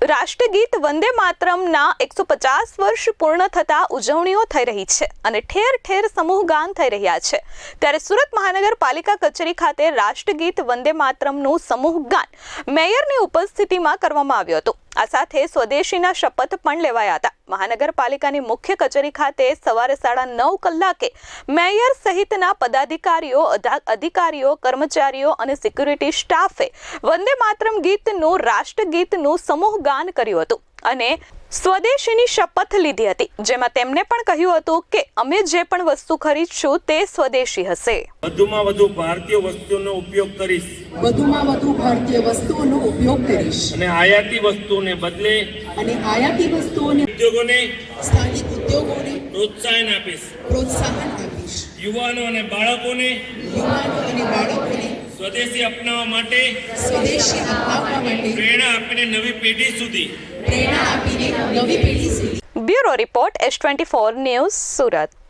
રાષ્ટ્રગીત વંદે માતરમના 150 વર્ષ પૂર્ણ થતા ઉજવણીઓ થઈ રહી છે અને ઠેર ઠેર સમૂહ ગાન થઈ રહ્યા છે। ત્યારે સુરત મહાનગરપાલિકા કચેરી ખાતે રાષ્ટ્રગીત વંદે માતરમનું સમૂહ ગાન મેયરની ઉપસ્થિતિમાં કરવામાં આવ્યું હતું। આ સાથે સ્વદેશીના શપથ પણ લેવાયા હતા। મહાનગરપાલિકાની મુખ્ય કચેરી ખાતે સવારે 9:30 કલાકે મેયર સહિતના પદાધિકારીઓ, અધિકારીઓ, કર્મચારીઓ અને સિક્યુરિટી સ્ટાફે વંદે માતરમ ગીતનું રાષ્ટ્રગીતનું સમૂહ ગાન કર્યું હતું અને સ્વદેશીની શપથ લીધી હતી, જેમાં તેમણે પણ કહ્યું હતું કે અમે જે પણ વસ્તુ ખરીદશું તે સ્વદેશી હશે। વધુમાં વધુ ભારતીય વસ્તુઓનો ઉપયોગ કરીશ અને આયાતી વસ્તુઓને બદલે ઉદ્યોગોને સ્થાનિક ઉદ્યોગોને પ્રોત્સાહન આપીશ। યુવાનો અને બાળકોને સ્વદેશી અપનાવવા માટે પ્રેરણા આપીને નવી પેઢી સુધી bureau report S24 news Surat.